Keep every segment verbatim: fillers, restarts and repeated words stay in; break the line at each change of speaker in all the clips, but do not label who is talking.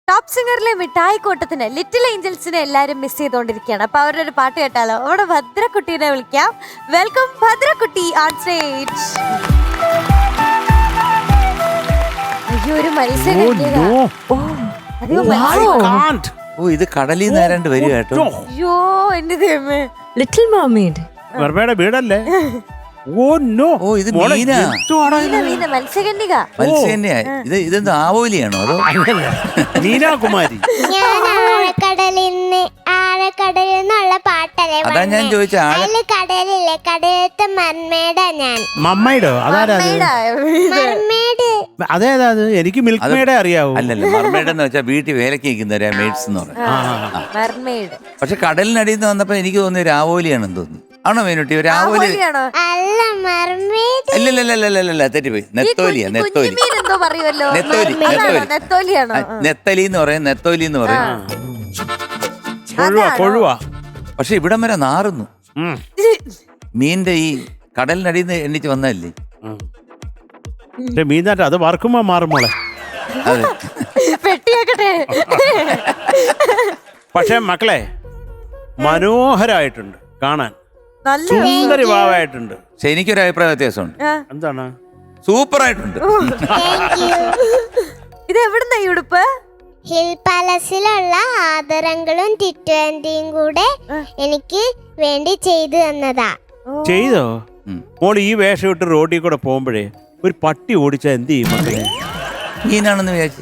Top സിംഗറിലെ മിഠായിക്കോട്ടത്തിന് little ഏഞ്ചൽസിനെ എല്ലാരും miss ചെയ്തോണ്ടിരിക്കുകയാണ്. അപ്പൊ അവരുടെ ഒരു പാട്ട് കേട്ടാലോ? അവിടെ ഭദ്രക്കുട്ടീനെ വിളിക്കാം. Welcome Bhadrakutty on stage. അയ്യോ, ഒരു മത്സരം.
ഓ, ഇത് കടലിൽ നേരാണ്ട് വരിക കേട്ടോ.
അയ്യോ, എന്റെ ദൈവമേ.
ലിറ്റിൽ മർമെയ്ഡ്
വെർമയുടെ വീടല്ലേ? Oh no.
ഓ, ഇത് മീനാ.
മത്സ്യകന്യക.
മത്സ്യകന്യ. ഇത് ഇതെന്ത് ആവോലിയാണോ അതോ?
മീനാകുമാരി.
ഞാൻ ആഴക്കടലിൽ നിന്ന് ആഴക്കടലിൽ നിന്നുള്ള പാട്ടല്ലേ
അതാ ഞാൻ ചോദിച്ച ആഴ
അതില് കടലില്ലേ, കടലത്തെ മർമേഡാ ഞാൻ.
മമ്മയുടെ അതാരാ?
മർമേഡ്
അതേതാ അത്? എനിക്ക് മിൽക്ക് മേഡേ അറിയാവൂ.
അല്ലല്ല, മർമേഡ് എന്ന് വെച്ചാൽ വീട്ടിൽ വേലക്ക് നിൽക്കുന്നവരാ മെയ്ഡ്സ് എന്ന് പറയും.
മർമെയ്ഡ്.
പക്ഷെ കടലിനടിയിൽ നിന്ന് വന്നപ്പോ എനിക്ക് തോന്നി ഒരു ആവോലിയാണെന്ന് തോന്നി. ആണോ മീനുട്ടി? ഒരു ആവോലി?
അല്ല, മർമേഡ്.
അല്ലല്ലല്ലല്ലല്ല, തെറ്റിപ്പോയി. നെത്തോലിയാ, നെത്തോലി.
എന്തോ പറയുമല്ലോ.
നെത്തോലി,
നെത്തോലിയാണോ?
നെത്തലി എന്ന് പറയും, നെത്തോലി എന്ന് പറയും.
കൊഴുവ കൊഴുവ.
പക്ഷെ ഇവിടം വരെ നാറുന്നു. മീനിന്റെ ഈ കടലിനടിയിൽ നിന്ന് എണ്ണിച്ച് വന്നല്ലേ.
മീനാറ്റ അത് വറുക്കുമ്പോ മാറും മോളെ.
അതെ.
പെട്ടിയാക്കട്ടെ.
പക്ഷെ മക്കളെ മനോഹരായിട്ടുണ്ട് കാണാൻ.
നല്ല
സുന്ദരി ഭാവമായിട്ടുണ്ട്.
പക്ഷെ എനിക്കൊരു അഭിപ്രായ വ്യത്യാസമുണ്ട്.
എന്താണ്?
സൂപ്പർ ആയിട്ടുണ്ട്.
ഇത് എവിടുന്ന ഈ ഉടുപ്പ്?
ഹിൽ പാലസിലുള്ള ആദരങ്ങളും ടിറ്റുവന്റിയും കൂടെ എനിക്ക് വേണ്ടി ചെയ്തു തന്നതാ.
ചെയ്തോ? മോള് ഈ വേഷം ഇട്ട് റോഡിൽ കൂടെ പോകുമ്പോഴേ ഒരു പട്ടി ഓടിച്ചാ എന്ത് ചെയ്യും മക്കളെ?
മീനാണെന്ന് വിചാരിച്ചു.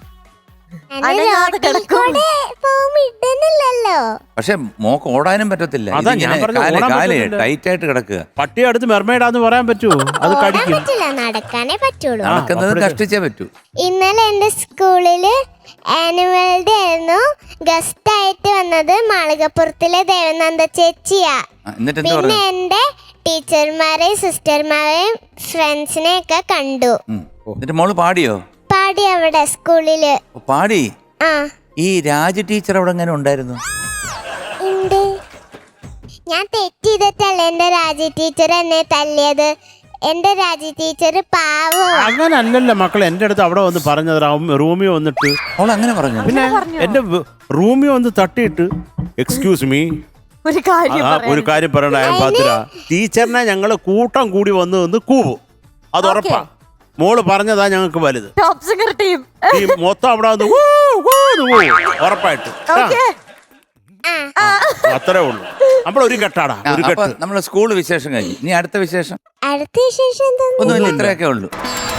പക്ഷെ മോക്ക് ഓടാനും പറ്റത്തില്ല.
അതാ ഞാൻ പറഞ്ഞത്, ഓടാൻ പറ്റത്തില്ല.
ടൈറ്റ് ആയിട്ട് കിടക്കുക.
പട്ടി അടുത്ത് മെർമേഡാന്ന് പറയാൻ പറ്റുമോ? അത് കടിക്കും.
നടക്കാനേ പറ്റുള്ളൂ.
നടക്കുന്നത് കഷ്ടിച്ചേ പറ്റൂ.
ഇന്നലെ എന്റെ സ്കൂളില് ആനുവൽ ഡേ ആയിരുന്നു. ഗസ്റ്റ് ആയിട്ട് വന്നത് മാളികപ്പുറത്തിലെ ദേവനന്ദ ചേച്ചിയാ.
എന്നിട്ട്
പിന്നെ എന്റെ ടീച്ചർമാരെയും സിസ്റ്റർമാരെയും ഫ്രണ്ട്സിനെ ഒക്കെ കണ്ടു.
എന്നിട്ട് മോള് പാടിയോ?
പാടി അവിടെ സ്കൂളില്.
പാടി.
ആ,
ഈ രാജ ടീച്ചർ അവിടെ എങ്ങനെ ഉണ്ടായിരുന്നു?
ഉണ്ട്. ഞാൻ തെറ്റ് ചെയ്തിട്ടല്ല എന്റെ രാജി ടീച്ചർ എന്നെ തല്ലിയത്. എന്റെ രാജി ടീച്ചർ പാവോ.
അങ്ങനെ അല്ലല്ലോ മക്കളെ, എന്റെ അടുത്ത് അവിടെ വന്ന് പറഞ്ഞത് റൂമിയോ വന്നിട്ട്.
അവൾ അങ്ങനെ പറഞ്ഞു?
പിന്നെ എന്റെ റൂമിയോ വന്ന് തട്ടിയിട്ട് എക്സ്ക്യൂസ് മീ,
ഒരു കാര്യം
ഒരു കാര്യം പറയണ പാത്ര ടീച്ചറിനെ ഞങ്ങള് കൂട്ടം കൂടി വന്ന് നിന്ന് കൂവും. അത് ഉറപ്പാ. മോള് പറഞ്ഞതാ ഞങ്ങൾക്ക് വലുത്.
ടോപ്പ് സിംഗർ ടീം
ഈ മൊത്തം അവിടെ വന്ന് ഉറപ്പായിട്ട്. അത്രേ ഉള്ളൂ. നമ്മളൊരു കെട്ടാടാ, ഒരു കെട്ട്.
നമ്മളെ സ്കൂൾ വിശേഷം കഴിഞ്ഞു. ഇനി അടുത്ത വിശേഷം
അടുത്ത വിശേഷം എന്താ?
ഒന്നുമില്ല, ഇത്രയൊക്കെ ഉള്ളൂ.